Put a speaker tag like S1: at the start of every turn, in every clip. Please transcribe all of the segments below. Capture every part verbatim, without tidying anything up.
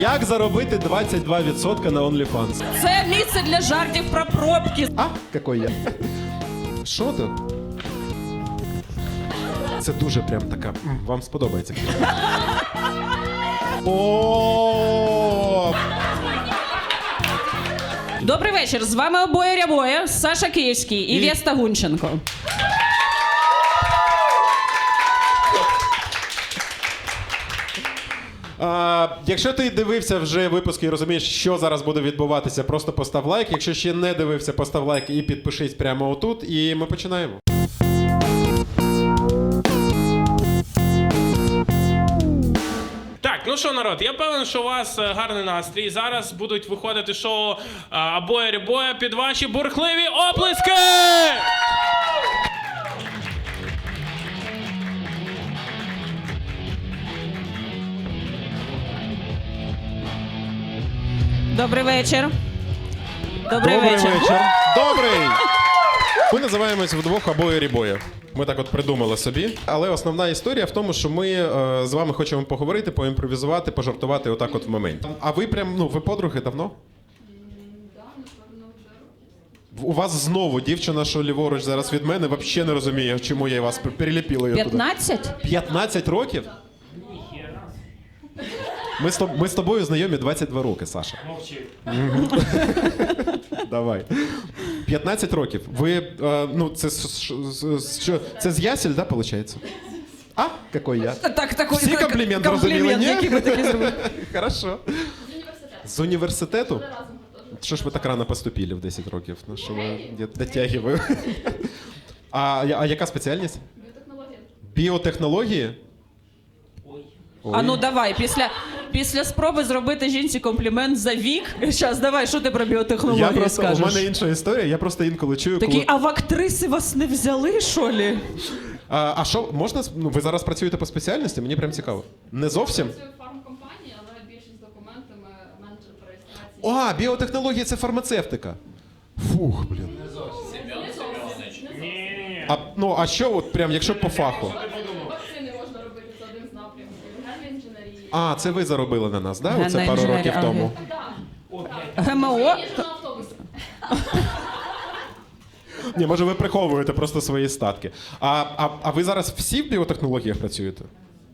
S1: Як заробити двадцять два відсотки на OnlyFans?
S2: Це місце для жартів про пробки.
S1: А, який я? Що тут? Це дуже прям така. м, Вам сподобається. О!
S2: Добрий вечір. З вами обоє рябоє, Саша Київський і,
S1: І-
S2: Веста Гунченко.
S1: А, якщо ти дивився вже випуски і розумієш, що зараз буде відбуватися, просто постав лайк. Якщо ще не дивився, постав лайк і підпишись прямо отут. І ми починаємо.
S3: Так, ну що, народ, я певен, що у вас е, гарний настрій. Зараз будуть виходити шоу «Абоє рябоє» під ваші бурхливі оплески!
S2: Добрий вечір. Добрий,
S1: Добрий
S2: вечір.
S1: вечір. Добрий! Ми називаємось вдвох «Абоє рябоє». Ми так от придумали собі. Але основна історія в тому, що ми е, з вами хочемо поговорити, поімпровізувати, пожартувати отак от в моменті. А ви прям, ну, ви подруги давно? У вас знову дівчина, що ліворуч зараз від мене, взагалі не розуміє, чому я вас переліпила її туди.
S2: п'ятнадцять?
S1: п'ятнадцять років? Ми з, тоб- ми з тобою знайомі двадцять два роки, Саша.
S3: Мовчи.
S1: Давай. п'ятнадцять років. Ви, е, ну, це з- ш- з- що, це з ясель, да, виходить? А, який я?
S2: Так, такий
S1: Всі комплімент зрозуміли, ні?
S2: комплімент, який ви такі зробили.
S1: Хорошо. З університету? Що ж ви так рано поступили в десять років? Ну, що ви дотягуємо? А, я- а яка спеціальність? Біотехнології. Біотехнології? Ой.
S2: А ну давай, після, після спроби зробити жінці комплімент за вік. Щас, давай, що ти про
S1: Я
S2: біотехнології
S1: просто, у
S2: скажеш?
S1: мене інша історія, я просто інколи чую,
S2: Такі,
S1: коли...
S2: а в актриси вас не взяли, що лі?
S1: А, а що, можна, ну, ви зараз працюєте по спеціальності? Мені прям цікаво. Не зовсім?
S4: Працюю в фармкомпанії, але більшість з документами менеджер по реєстрації.
S1: О, біотехнології – це фармацевтика. Фух, блін.
S3: Ні-ні-ні.
S1: А, ну, а що от прям, якщо по фаху?
S4: Вакцини можна робити, це один з напрямків. Генна інженерії.
S1: А, це ви заробили на нас, да?
S2: Генна
S1: Оце пару
S2: інженерія,
S1: років
S2: ага.
S1: тому.
S2: ГМО?
S4: Їжджу на автобусі.
S1: Ні, може ви приховуєте просто свої статки. А, а, а ви зараз всі в біотехнологіях працюєте?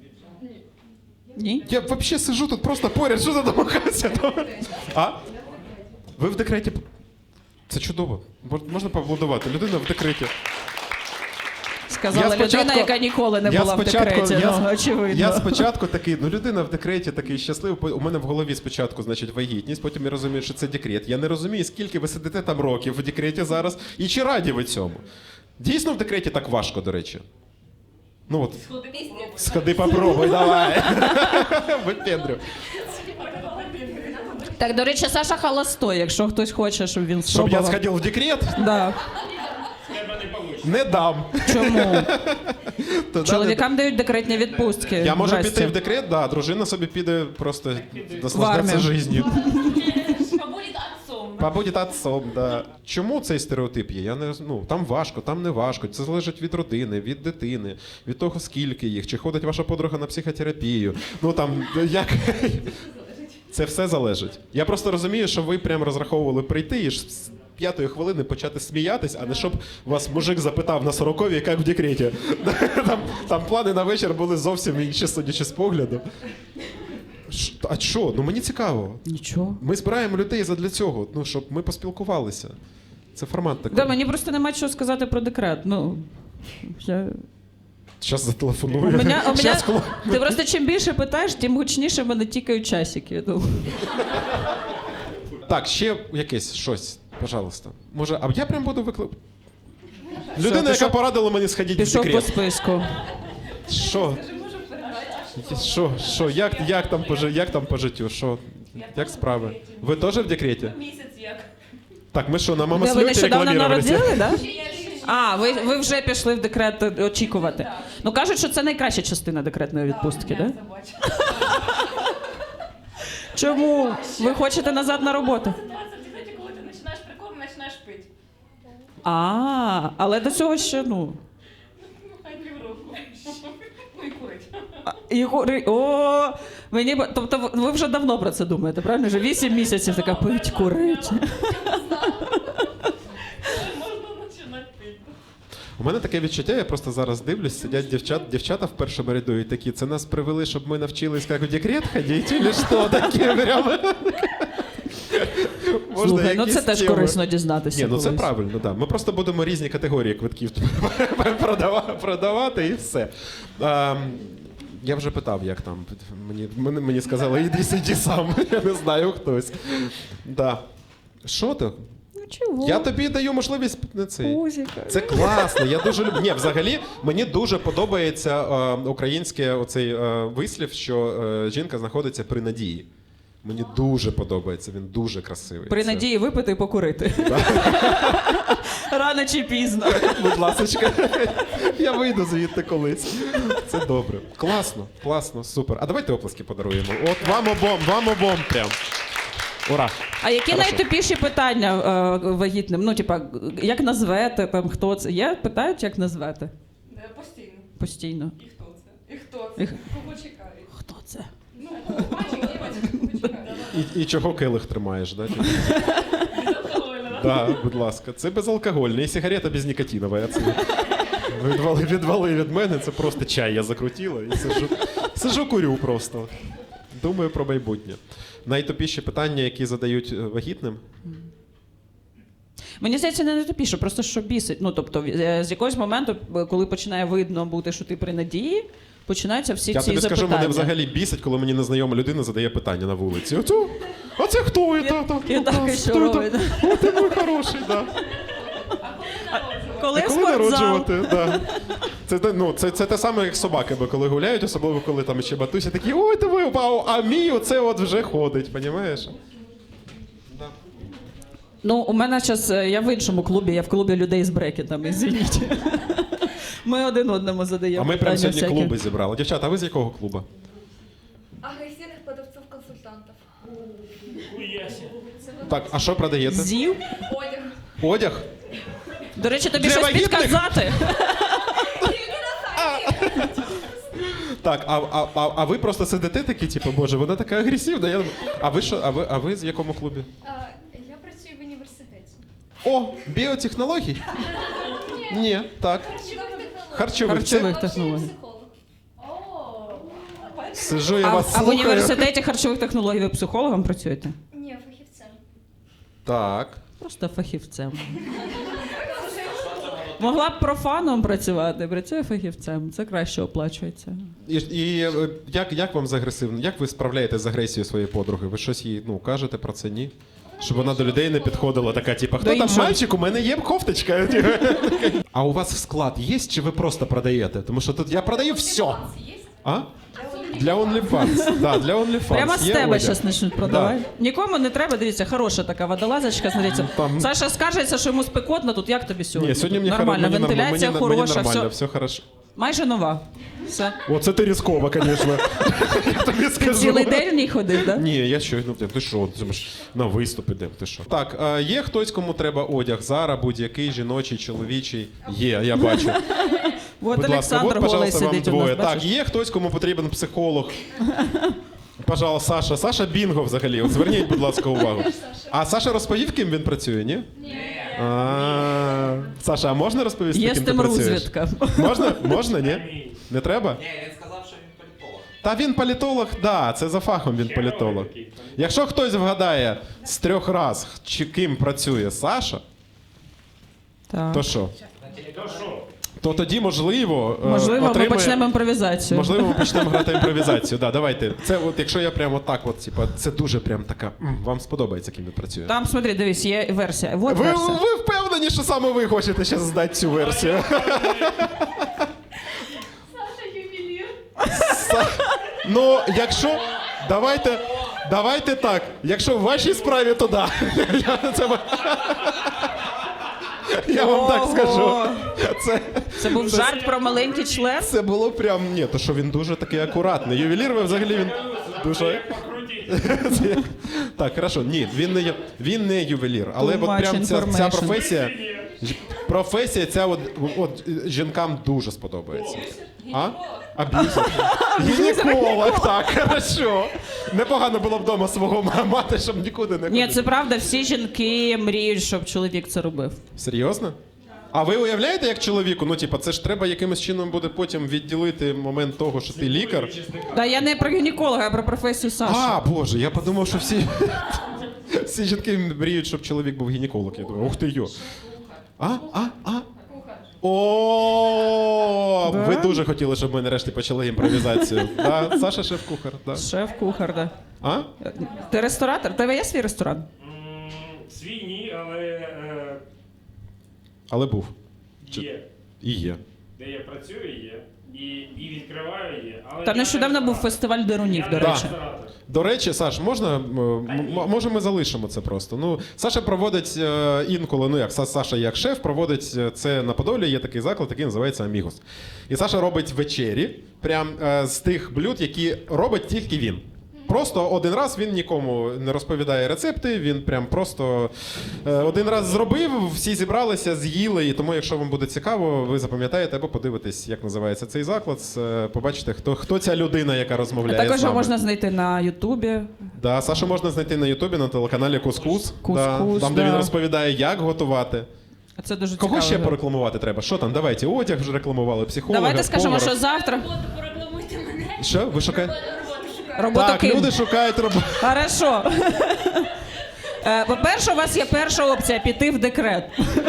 S2: Ні.
S1: Я взагалі сижу тут просто поряд, що за домагатися? А? Ви в декреті? Це чудово. Мож- Можна поаплодувати. Людина в декреті.
S2: Сказала
S1: Я спочатку-
S2: людина, яка ніколи не
S1: я
S2: була
S1: спочатку-
S2: в декреті.
S1: я,
S2: Ну, очевидно.
S1: я спочатку такий, ну людина в декреті такий щасливий. У мене в голові спочатку, значить, вагітність, потім я розумію, що це декрет. Я не розумію, скільки ви сидите там років в декреті зараз, і чи раді ви цьому. Дійсно в декреті так важко, до речі. Ну от. Сходи попробуй, давай. Випендрю.
S2: Так, до речі, Саша холостой, якщо хтось хоче, щоб він
S1: Щоб
S2: спробував.
S1: я сходив в декрет,
S2: Да.
S3: Тебе не вийде.
S1: не дам.
S2: Чому?
S1: То да,
S2: Чоловікам дають декретні відпустки.
S1: Я можу
S2: Здрасте.
S1: піти в декрет, да, дружина собі піде просто
S2: В
S1: наслаждатися
S2: армію.
S1: життю.
S4: Побудь отцом.
S1: Побудь отцом, да. Чому цей стереотип є? Я не роз- ну, там важко, там не важко. Це залежить від родини, від дитини, від того, скільки їх, чи ходить ваша подруга на психотерапію. Ну там як. Це все залежить. Я просто розумію, що ви прям розраховували прийти і ж з п'ятої хвилини почати сміятись, а не щоб вас мужик запитав на сороковій, як в декреті. Там, там плани на вечір були зовсім інші, судячи з погляду. Ш- А що? Ну мені цікаво.
S2: Нічого.
S1: Ми збираємо людей задля цього, ну, щоб ми поспілкувалися. Це формат такий.
S2: Да, мені просто нема чого сказати про декрет. Ну, я...
S1: Зараз зателефоную.
S2: У мене, у мене...
S1: Щас хлоп-
S2: Ти просто чим більше питаєш, тим гучніше в мене тікають часики. Ну.
S1: Так, ще якесь щось, пожалуйста. Може, а я прям буду виклик... Людина, яка
S2: пішов-
S1: порадила мені сходити в
S2: Пішов по
S1: декрет.
S2: списку.
S1: Що? Що? Що? Як, як, там по, жи- як там по життю? Що? Як справи? Ви теж в декреті?
S4: Місяць як.
S1: Так, ми що, на мама
S2: Де ви
S1: слюті
S2: нещодавно
S1: рекламувалися?
S2: народили, так? Да? А, ви, ви вже пішли в декрет е, очікувати. Ну кажуть, що це найкраща частина декретної відпустки, так? Да? Чому? Ви хочете назад на роботу?
S4: Ситуація в декреті, коли ти починаєш прикорм, починаєш пити.
S2: А, але до цього ще, ну.
S4: Ну, хай півроку. Ну і курить.
S2: а, і гори- О, ви Мені, б- тобто ви- ви вже давно про це думаєте, правильно? Вже вісім місяців така пить, курить.
S1: У мене таке відчуття, я просто зараз дивлюсь, сидять дівчат, дівчата в першому ряду і такі, це нас привели, щоб ми навчились як в декрет ходити, чи що таке прямо? Можна
S2: Слухай, ну
S1: якісь
S2: це теж
S1: теми?
S2: корисно дізнатися.
S1: Ні, ну це
S2: колись.
S1: правильно, так. Да. Ми просто будемо різні категорії квитків продава- продавати і все. А, я вже питав, як там. Мені, мені, мені сказали, іди сиді сам. Я не знаю хтось. Да. Що ти?
S2: Ну чого?
S1: Я тобі даю можливість на цей.
S2: Пузіка.
S1: Це класно, я дуже люблю. Ні, взагалі, мені дуже подобається е, українське оцей е, вислів, що е, жінка знаходиться при надії. Мені дуже подобається, він дуже красивий.
S2: При
S1: Це-
S2: надії випити і покурити. Рано чи пізно.
S1: Будь ласочка, я вийду звідти колись. Це добре. Класно, класно, супер. А давайте оплески подаруємо. От вам обом, вам обом прям. Ура!
S2: А які
S1: Хорошо.
S2: найтупіші питання е, вагітним? Ну, типа, як назвете, там, хто це? Є? Питають, як назвете?
S4: Е, Постійно.
S2: Постійно.
S4: І хто це? І хто це?
S2: І-
S4: Кого чекають?
S2: Хто це?
S4: Ну, бачите, бачите, чекають.
S1: І, і чого келих тримаєш, да? типу?
S4: Безалкогольно,
S1: Да, будь ласка. Це безалкогольне і сигарета безнікотинова. Це відвали, відвали від мене, це просто чай я закрутила і сижу, сижу курю просто. Думаю про майбутнє. Найтупіші питання, які задають е, вагітним.
S2: Мені здається, не найтупіше, просто що бісить. Ну, тобто, е, з якогось моменту, е, коли починає видно бути, що ти при надії, починаються всі
S1: Я
S2: ці
S1: тобі
S2: запитання.
S1: скажу, мене взагалі бісить, коли мені незнайома людина задає питання на вулиці. Оцю, а це хто? І, та, та,
S2: і
S1: та,
S2: так, і
S1: та,
S2: що
S1: хто
S2: робить?
S1: та? О, ти мій хороший, да.
S2: Коли,
S1: А коли
S2: спортзал?
S1: народжувати? Да. Це, те- ну, це, це те саме, як собаки, бо коли гуляють, особливо коли там ще батуся, такі, ой, ти ви, вау, а мій оце от вже ходить, понімаєш?
S2: Ну, у мене зараз, я в іншому клубі, я в клубі людей з брекетами, извините. Ми один одному задаємо
S1: А ми прямо
S2: питання
S1: сьогодні
S2: всякі.
S1: клуби зібрали. Дівчата, а ви з якого клубу?
S4: Агресивних продавців-консультантів.
S1: Так, а що продаєте?
S2: Зів?
S4: Одяг.
S1: Одяг?
S2: До речі, тобі
S1: Для
S2: щось
S1: вагітних?
S2: підказати?
S1: Так, а, а, а, а ви просто сидите такі, типу, боже, вона така агресивна. Я... А ви що? А ви, а ви з якому клубі?
S4: А, Я працюю в університеті.
S1: О, біотехнологій? Ні, так.
S4: Харчових технологій.
S1: Харчових. Це-
S2: Харчових технологій.
S4: Психолог. О,
S1: Сижу, я
S2: А,
S1: вас
S2: а в
S1: слухаю.
S2: університеті харчових технологій ви психологом працюєте?
S4: Ні, фахівцем.
S1: Так.
S2: Просто фахівцем. Могла б профаном працювати, працює фахівцем. Це краще оплачується.
S1: І, і е, як, як вам з агресивним? Як ви справляєтесь з агресією своєї подруги? Ви щось їй ну, кажете про це, ні? Щоб вона до людей не підходила, така, типу, хто
S2: До
S1: там
S2: іншого.
S1: мальчик, у мене є кофточка. А у вас склад є, чи ви просто продаєте? Тому що тут я продаю все.
S4: Є?
S1: А? Для OnlyFans. Да, для OnlyFans.
S2: Прямо з
S1: Є
S2: тебе
S1: одяг.
S2: зараз почнуть продавати. Нікому не треба, дивіться, хороша така водолазочка, смотрите.
S1: Там-
S2: Саша скажеться, що йому спекотно, тут як тобі сьогодні?
S1: Ні, сьогодні мені
S2: Нормально,
S1: хоро- мені, норм-
S2: вентиляція
S1: мені, мені
S2: хороша,
S1: нормально,
S2: все.
S1: все хорошо.
S2: Майже нова. Все.
S1: О, це ти різково, звісно. Я тобі
S2: Ти
S1: скажу.
S2: цілий день в ній ходив, так?
S1: Ні, я що, ну ти що, ти ж на виступ ідемо, ти що? Так, а є хтось, кому треба одяг? Зара, будь-який, жіночий, чоловічий? Є, я бачу.
S2: От
S1: Будь ласка,
S2: Олександр
S1: от,
S2: голий
S1: пожалуйста, вам
S2: сидить у
S1: двоє.
S2: нас,
S1: Так,
S2: бачиш?
S1: є хтось, кому потрібен психолог? Пожалуйста, Саша. Саша Бінго взагалі. От зверніть, будь ласка, увагу. А Саша розповів, ким він працює, ні? Ні. А, Саша, а можна розповісти,
S2: Є
S1: ким
S2: з
S1: ти
S2: тим
S1: працюєш?
S2: розвідка.
S1: Можна? Можна, ні? Не треба?
S5: Ні, він сказав, що він політолог.
S1: Та він політолог, да, це за фахом він політолог. Якщо хтось вгадає з трьох раз, чи ким працює Саша,
S2: Так.
S1: то що? То тоді, можливо, е,
S2: Можливо, ми
S1: отримає-
S2: почнемо імпровізацію.
S1: Можливо, ми почнемо грати імпровізацію. Да, давайте. Це от, якщо я прямо так, от, типа, це дуже прям така. м, Вам сподобається, ким він працює.
S2: Там, смотри, дивись, є версія. Вот
S1: Ви,
S2: версія.
S1: ви впевнені, що саме ви хочете зараз здати цю версію?
S4: Саша ювелір.
S1: Ну, якщо. Давайте. Давайте так. Якщо в вашій справі, то да. Я, це, я вам так
S2: Ого.
S1: скажу. Це,
S2: Це був жарт про маленький член?
S1: це було прям. Ні, то що він дуже такий акуратний. Ювелір, ви взагалі він дуже. Це- Так, хорошо. Ні, він не, є- він не ювелір, але
S2: Too
S1: от
S2: much
S1: прям ця, ця
S2: information.
S1: професія. ж- Професія ця от, от жінкам дуже сподобається. А? Аб'юзер. Гінеколог, так, хорошо. Непогано було б вдома свого ма- мати, щоб нікуди не ходити.
S2: Ні, це правда, всі жінки мріють, щоб чоловік це робив.
S1: Серйозно? А ви уявляєте, як чоловіку, ну типа, це ж треба якимось чином буде потім відділити момент того, що ти лікар.
S2: Та я не про гінеколога, а про професію Саші.
S1: А, боже, я подумав, що всі, всі жінки мріють, щоб чоловік був гінеколог. Я думаю, ух ти йо. А, а, а. О, ви дуже хотіли, щоб ми нарешті почали імпровізацію. Да, Саша шеф-кухар, да.
S2: Шеф-кухар, да.
S1: А?
S2: Ти ресторатор? У тебе є свій ресторан?
S6: М, Свій ні, але е,
S1: Але був.
S6: є.
S1: І є.
S6: Де я працюю, є. І, і відкриваю є. Але
S2: Та
S6: я
S2: нещодавно
S6: не
S2: був
S6: ресторатор.
S2: фестиваль дерунів,
S6: Я
S2: до
S6: не
S2: речі.
S6: ресторатор.
S1: До речі, Саш, можна, м, м- може ми залишимо це просто. Ну, Саша проводить е, інколи, ну як Са- Саша як шеф, проводить е, це на Подолі, є такий заклад, який називається Амігос. І Саша робить вечері, прям е, з тих блюд, які робить тільки він. Просто один раз він нікому не розповідає рецепти, він прям просто е, один раз зробив, всі зібралися, з'їли. І тому, якщо вам буде цікаво, ви запам'ятаєте або подивитесь, як називається цей заклад, е, побачите, хто, хто ця людина, яка
S2: А
S1: розмовляє
S2: також
S1: з
S2: його
S1: вами.
S2: можна знайти на Ютубі.
S1: Да, Сашу можна знайти на Ютубі на телеканалі Кускус.
S2: Кускус,
S1: да, там, де
S2: да.
S1: він розповідає, як готувати.
S2: А це дуже
S1: Кого
S2: цікаво.
S1: ще порекламувати треба? Що там? Давайте, одяг вже рекламували, психолога,
S2: Давайте скажемо,
S1: повара.
S2: що завтра.
S4: Роботу порекламуйте мене.
S1: Що? Ви шукаєте?
S4: Роботу шукаю.
S2: Роботу
S1: Так,
S2: ким?
S1: люди шукають роботу.
S2: Хорошо. Е, По-перше, у вас є перша опція піти в декрет.
S4: Ну, там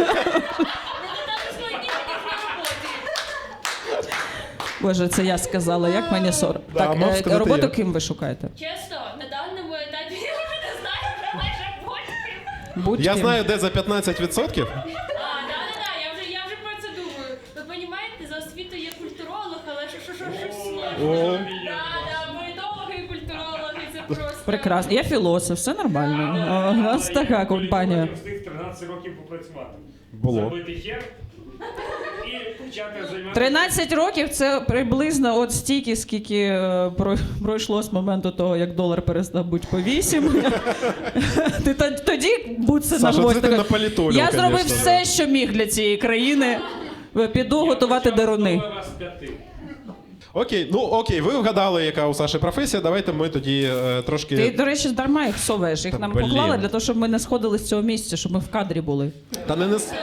S4: свої дні на роботі.
S2: Боже, це я сказала, як мені сором.
S1: Да,
S2: Так,
S1: мав
S2: е,
S1: сказати
S2: роботу
S1: я.
S2: ким ви шукаєте?
S4: Чесно, на даному етапі я вже не знаю, вже майже потім.
S2: Будь
S1: Я
S2: ким.
S1: знаю, де за п'ятнадцять відсотків.
S4: А, да-да-да, я вже, я вже про це думаю. Ви розумієте, за освітою є культуролог, але що, що, що, що сложно.
S1: О.
S4: Да-да, політологи і культурологи, це просто...
S2: Прекрасно. Я філософ, все нормально. А, У нас така компанія.
S6: Я встиг тринадцять років попрацювати.
S1: Було.
S6: Забити хер і почати займатися.
S2: тринадцять років це приблизно от стільки, скільки е, про- пройшло з моменту того, як долар перестав бути по вісім. Ти то- тоді будь це на
S1: Саша, це
S2: гвоздь.
S1: ти
S2: така,
S1: наполітолів,
S2: Я зробив
S1: конечно,
S2: все,
S1: да.
S2: що міг для цієї країни. Піду готувати деруни.
S6: Раз п'яти.
S1: Окей, ну окей, ви вгадали, яка у Саші професія. Давайте ми тоді е, трошки.
S2: Ти, до речі, дарма їх соваєш. Їх
S1: Та
S2: нам
S1: блін.
S2: поклали для того, щоб ми не сходили з цього місця, щоб ми в кадрі були.
S1: Та не нес.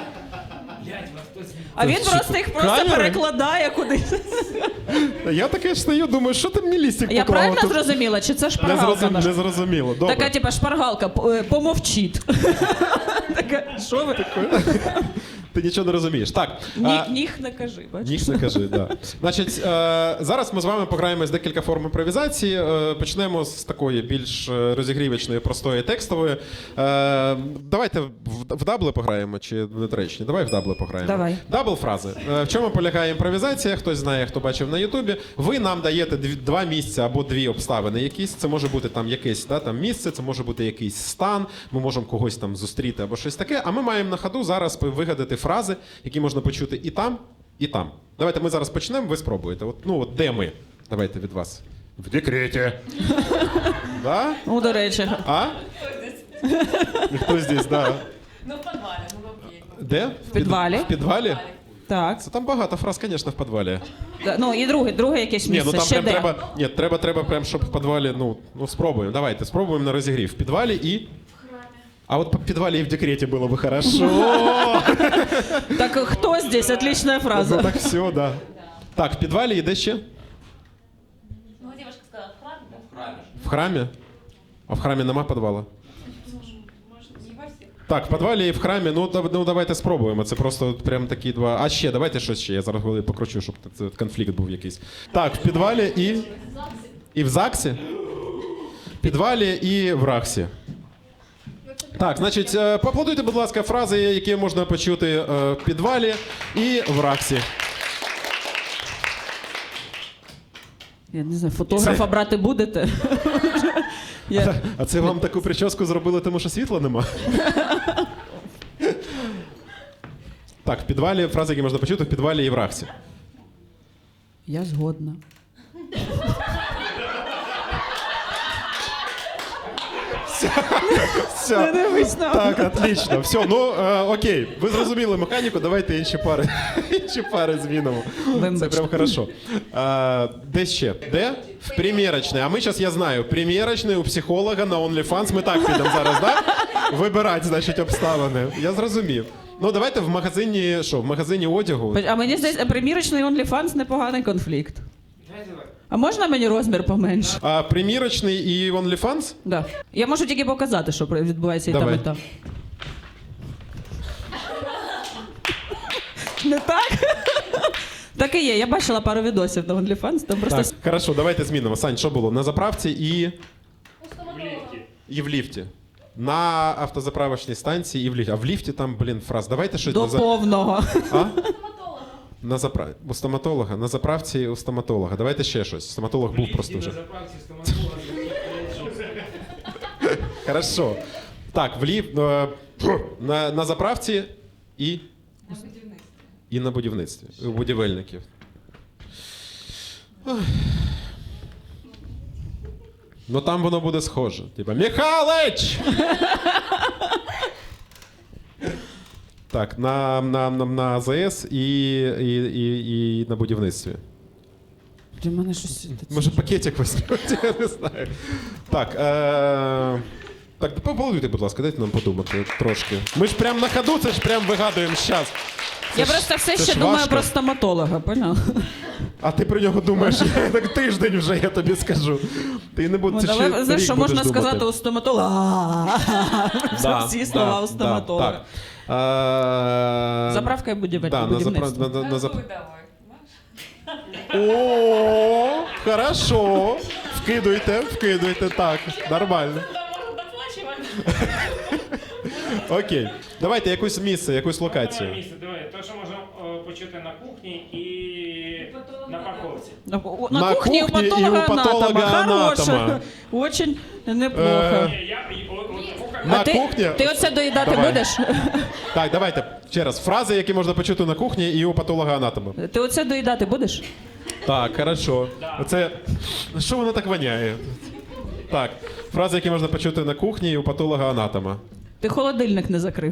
S2: А він
S1: що,
S2: просто їх просто
S1: камери?
S2: перекладає кудись.
S1: Я таке ж стою, думаю, що ти мені лістик
S2: Я
S1: поклала?
S2: правильно
S1: Тут
S2: зрозуміла, чи це
S1: не,
S2: шпаргалка
S1: зрозум...
S2: наша?
S1: не зрозуміло. Добре.
S2: Така, типа, шпаргалка, п- е, помовчіть. Така, що ви?
S1: Ти нічого не розумієш. Так.
S2: Ні,
S1: а,
S2: ніг не кажи, бачиш?
S1: Ніж не кажи, да. Значить, е, зараз ми з вами пограємо з декілька форм імпровізації. Е, почнемо з такої більш е, розігрівочної, простої текстової. Е, давайте в, в дабли пограємо, чи недоречні? Давай в дабли пограємо.
S2: Давай.
S1: Дабл фрази. Е, в чому полягає імпровізація? Хтось знає, хто бачив на Ютубі. Ви нам даєте дві, два місця або дві обставини якісь. Це може бути там якесь да, там місце, це може бути якийсь стан, ми можемо когось там зустріти або щось таке. А ми маємо на ходу зараз вигадати фрази, які можна почути і там, і там. Давайте ми зараз почнемо, ви спробуєте. От, ну, от де ми? Давайте від вас. В декреті. Да?
S2: Ну, до речі.
S1: А? Хто здесь, да.
S7: Ну, в подвале, ну окей.
S1: Де? В
S2: підвалі.
S1: В підвалі?
S2: Так.
S1: Це там багато фраз, звісно, в підвалі.
S2: Да, Ну, і друге, друге якесь
S1: Ні,
S2: місце.
S1: ну там
S2: Ще
S1: прям
S2: де?
S1: треба. Ні, треба, треба прям, щоб в підвалі, ну, ну спробуємо. Давайте, спробуємо на розігрів. В підвалі і. А от в підвалі і в декреті було би хорошо.
S2: Так хто здесь? Отличная
S1: Ну
S2: фраза.
S1: так все, да. Так, в підвалі і де ще?
S7: Ну, девушка сказала, в храме, да?
S5: В храмі.
S1: В храмі? А в храмі нема підвала?
S7: Может, не во всех.
S1: Так, в підвалі і в храмі, ну, дав- ну давайте спробуємо. Це просто прям такі два. А ще, давайте щось ще. Я зараз голови покручу, щоб це конфлікт був якийсь. Так, в підвалі і. І в ЗАГСі? В підвалі і в РАХСі. Так, значить, е, поаплодуйте, будь ласка, фрази, які можна почути е, в підвалі і в РАХСі.
S2: Я не знаю, фотографа брати будете? Я...
S1: А це вам таку прическу зробили, тому що світла нема? Так, в підвалі фрази, які можна почути в підвалі і в РАХСі.
S2: Я згодна.
S1: Все.
S2: дивись на
S1: Так, отлично. Все, ну е, окей. Ви зрозуміли механіку, давайте інші пари. Інші пари змінимо. Це
S2: Вибачте.
S1: прям хорошо. Е, де ще? Де? В примірочний. А ми зараз, я знаю, примірочний у психолога на OnlyFans. Ми так підемо зараз, так? Да? Вибирати, значить, обставини. Я зрозумів. Ну, давайте в магазині, що, в магазині одягу.
S2: А мені здається, примірочний OnlyFans непоганий конфлікт.
S6: Давай, давай.
S2: А можна мені розмір поменше?
S1: А примірочний і OnlyFans?
S2: Да. Я можу тільки показати, що відбувається і там,
S1: Давай.
S2: і там. Не так? Так і є. Я бачила пару відосів на OnlyFans, там просто...
S1: Так, хорошо, давайте змінимо. Сань, що було? На заправці і,
S4: У стоматолога.
S1: і в ліфті. На автозаправочній станції і в ліфті. А в ліфті там, блін, фраз. Давайте щось
S2: До
S1: на за...
S2: повного.
S1: А?
S4: Стоматолога.
S1: На запра... У стоматолога. На заправці у стоматолога. Давайте ще щось. Стоматолог був просто вже.
S6: На заправці стоматолога.
S1: Хорошо. Так, в ліфт... е, на, на заправці і... І на будівництві. У будівельників. Ой. Ну там воно буде схоже. Типа Михалич! Так, на, на, на, на АЗС і, і, і, і на будівництві.
S2: Для мене щось...
S1: Може пакетик візьмете, я не знаю. Так, е... так, поаплодуйте, будь ласка, дайте нам подумати трошки. Ми ж прям на ходу, це ж прям вигадуємо зараз.
S2: Я просто все
S1: це
S2: ще
S1: ж
S2: думаю
S1: важко.
S2: про стоматолога, поняв?
S1: А ти про нього думаєш, так тиждень вже, я тобі скажу. Ти не будеш,
S2: От,
S1: ти ще
S2: але знаєш,
S1: рік
S2: що
S1: будеш
S2: можна
S1: думати.
S2: сказати у стоматолога?
S1: Да,
S2: Всі слова
S1: да,
S2: у стоматолога.
S1: да, так. Е,
S2: Заправка і будівель-
S1: да, на запра-
S2: будівництво.
S1: на- на- на зап-
S7: Такую давай.
S1: О, хорошо. Вкидуйте, вкидуйте, так, нормально.
S4: Да, можно доплачивать.
S1: Окей. Давайте якусь місце, якусь
S6: Давай
S1: локацію.
S6: місце, давай. То, що можна о, почути на кухні і на парковці.
S2: На, у- на,
S1: На
S2: кухні,
S1: кухні і
S2: у
S1: у
S2: патолога анатома.
S1: патолога-анатома.
S2: Хороше. Очень неплохо.
S1: Е,
S6: Ні, я, і- о- о- кухар-
S1: На
S2: а ти,
S1: кухні?
S2: ти оце доїдати
S1: Давай.
S2: будеш?
S1: Так, давайте ще раз. Фрази, які можна почути на кухні і у патолога-анатома.
S2: Ти оце доїдати будеш?
S1: Так, хорошо. Оце. Що воно так воняє? Так, фрази, які можна почути на кухні і у патолога-анатома.
S2: Ти холодильник не закрив.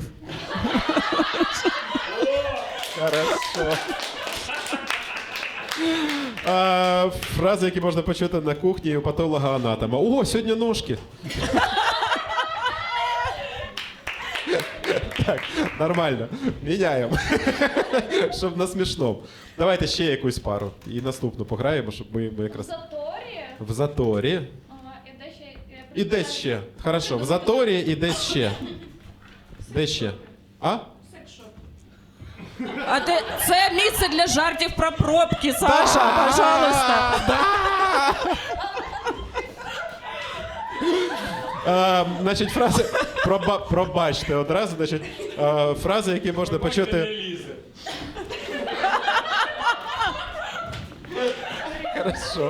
S1: Хорошо. А, фрази, які можна почути на кухні і у патолога-анатома. О, сьогодні ножки. Так, нормально. Міняємо. Щоб на смішному. Давайте ще якусь пару. І наступну пограємо, щоб ми, ми
S4: У
S1: якраз.
S4: заторі.
S1: В заторі.
S4: Ага, і де ще... я
S1: І десь ще. Хорошо, в заторі і десь ще. Де ще? А?
S2: А ти це місце для жартів про пробки, Саша, пожалуйста.
S1: Е, значить, фрази. Проба, пробачте одразу. Значить, е, фрази, які можна
S6: Бачите, не
S1: почути.
S6: лізе.
S1: Хорошо.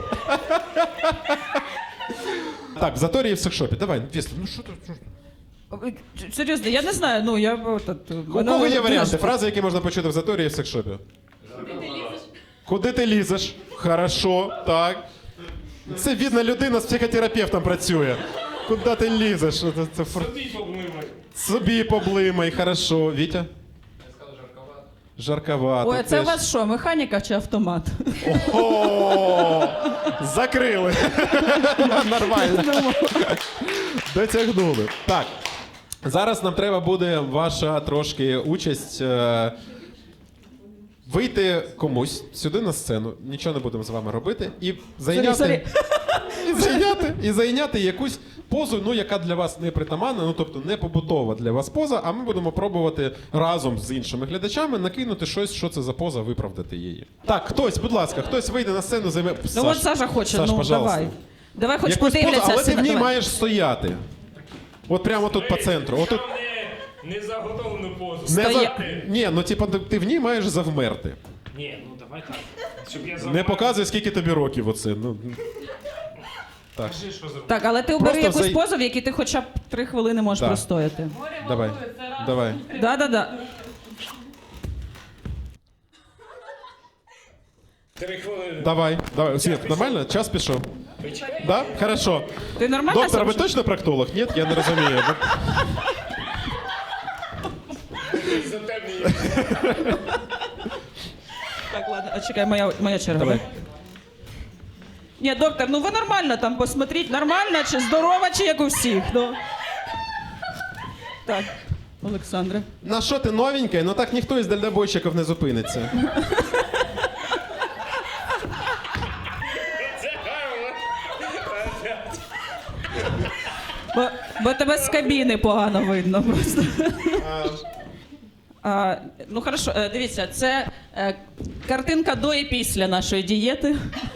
S1: Так, в заторі і в секшопі. Давай, Віслав, ну що ти? що ти?
S2: Серйозно, я не знаю, ну я... от, от,
S1: У
S2: мене
S1: кого є
S2: ви-
S1: варіанти? Фрази, які можна почути в заторі і в секшопі. Куди ти лізеш? Хорошо, так. Це видно, людина з психотерапевтом працює. Куди ти лізеш? Це, це фр...
S6: Собі поблимай.
S1: Собі поблимай, хорошо. Вітя? Жарковато.
S2: Ой, це
S1: теж.
S2: у вас що, механіка чи автомат?
S1: О, закрили. Нормально. Дотягнули. Так. Зараз нам треба буде ваша трошки участь. е, Вийти комусь сюди на сцену, нічого не будемо з вами робити, і зайняти,
S2: сорі.
S1: і зайняти, і зайняти якусь позу, ну яка для вас не притаманна, ну тобто не побутова для вас поза. А ми будемо пробувати разом з іншими глядачами накинути щось, що це за поза, виправдати її. Так, хтось, будь ласка, хтось вийде на сцену, займе.
S2: Ну
S1: Саш,
S2: от Саша хоче,
S1: Саш,
S2: ну
S1: пожалуйста.
S2: давай. Давай хоч
S1: Якусь позу,
S2: подивляться
S1: але ти в ній
S2: давай.
S1: маєш стояти. От прямо тут по центру. Отут
S6: Не, не заготовлену позу.
S1: не за...
S2: Стоя-
S1: Ні, ну типа ти- ти в ній маєш завмерти.
S6: Ні, ну давай так. Щоб я
S1: Не
S6: завмер.
S1: показуй, скільки тобі років оце. Ну. Так.
S6: Кажи, що зробити.
S2: Так, але ти обери
S1: Просто
S2: якусь
S1: зай-
S2: позу, в якій ти хоча б три хвилини можеш
S1: Так.
S2: простояти.
S1: Давай. Давай.
S2: Да-да-да.
S6: Три хвилини.
S1: Давай. Давай. Світ, нормально? Час пішов. Да? Хорошо.
S2: Ти нормально
S1: Доктор, ви
S2: себе
S1: точно проктолог? Ні, я не розумію.
S2: Так, ладно, а чекай, моя, моя черга.
S1: Давай.
S2: да? Ні, доктор, ну ви нормально там посмотріть, нормально чи здорова, чи як у всіх. Ну. Так, Олександре.
S1: На що ти новенький? Ну так ніхто із дальнобойщиків не зупиниться.
S2: Бо, бо тебе з кабіни погано видно просто. А, ну хорошо, е, дивіться, це е, картинка до і після нашої дієти.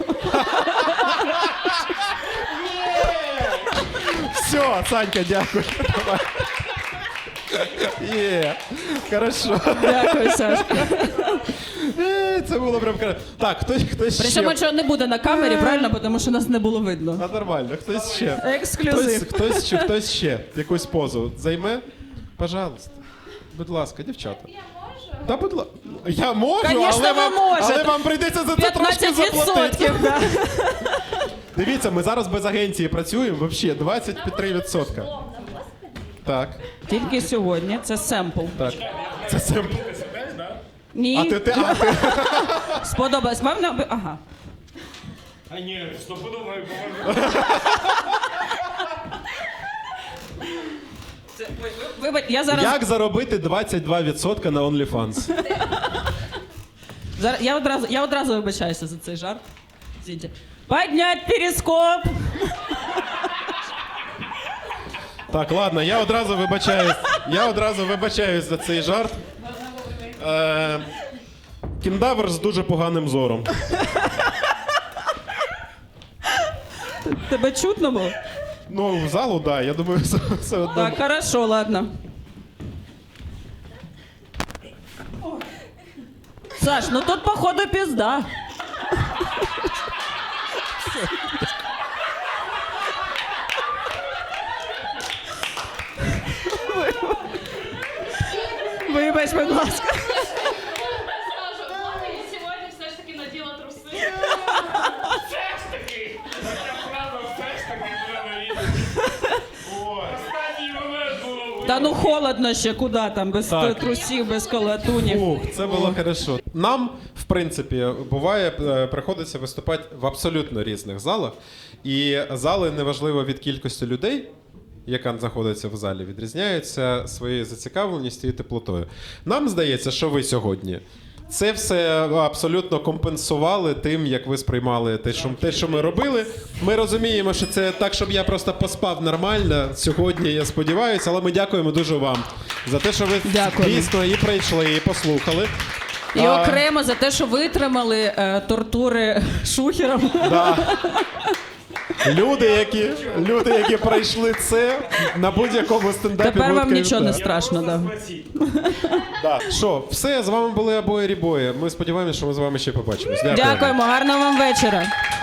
S1: Все, Санька, дякую. Давай. Є, хорошо.
S2: Дякую, Саш.
S1: Е, Це було прям кра- Так, хтось, хтось ще.
S2: Причому, що не буде на камері, правильно, бо тому що нас не було видно.
S1: А нормально, хтось ще. Хтось,
S2: Ексклюзив.
S1: хтось, ще, хтось ще якусь позу займе? Пожалуйста. Будь ласка, дівчата.
S4: Я можу?
S1: Та будь ласка. Я можу,
S2: Конечно,
S1: але,
S2: ви
S1: вам,
S2: можете.
S1: але вам прийдеться за це трошки
S2: п'ятнадцять
S1: заплатити.
S2: відсотків, да.
S1: Дивіться, ми зараз без агенції працюємо, взагалі, двадцять три відсотка. Так,
S2: Тільки сьогодні, це семпл.
S1: так. Це семпл.
S2: Ні,
S1: А ти, ти, а ти.
S2: сподобалось. Вам не... Ага.
S6: А ні, стопудово не поможу.
S2: Це, ой, ви- вибач, я зараз,
S1: Як заробити двадцять два відсотка на OnlyFans?
S2: зараз я, одразу, я одразу вибачаюся за цей жарт. Извините. Поднять перископ!
S1: Так, ладно, я одразу вибачаюсь. Я одразу вибачаюсь за цей жарт. Е, кіндавр з дуже поганим зором.
S2: Тебе чутно було?
S1: Ну, в залу, так, да, я думаю, все, все одно.
S2: Так, хорошо, ладно. Саш, ну тут походу пизда. Вибач, будь ласка.
S4: Скажу, ладно, я сьогодні все ж таки наділа труси.
S6: Все ж таки! Така фраза, все ж таки треба відати. Останній момент було.
S2: Та ну холодно ще, куди там, без
S1: Так.
S2: трусів, без колотунів.
S1: Ух, це було хорошо. Нам, в принципі, буває, е, приходиться виступати в абсолютно різних залах. І зали, неважливо від кількості людей, яка знаходиться в залі, відрізняються своєю зацікавленістю і теплотою. Нам здається, що ви сьогодні це все абсолютно компенсували тим, як ви сприймали те, що, те, що ми робили. Ми розуміємо, що це так, щоб я просто поспав нормально сьогодні, я сподіваюся, але ми дякуємо дуже вам за те, що ви
S2: Дякуємо.
S1: дійсно і прийшли, і послухали.
S2: І
S1: А,
S2: окремо за те, що витримали е, тортури шухером.
S1: да. Люди, які, люди, які пройшли це на будь-якому стендапі.
S2: Тепер вам
S1: будуть
S2: нічого не
S1: кайфувати.
S2: страшно. Да.
S1: Да. Що, все, з вами були обоє рібої. Ми сподіваємося, що ми з вами ще побачимось. Дякую.
S2: Дякуємо, гарного вам вечора.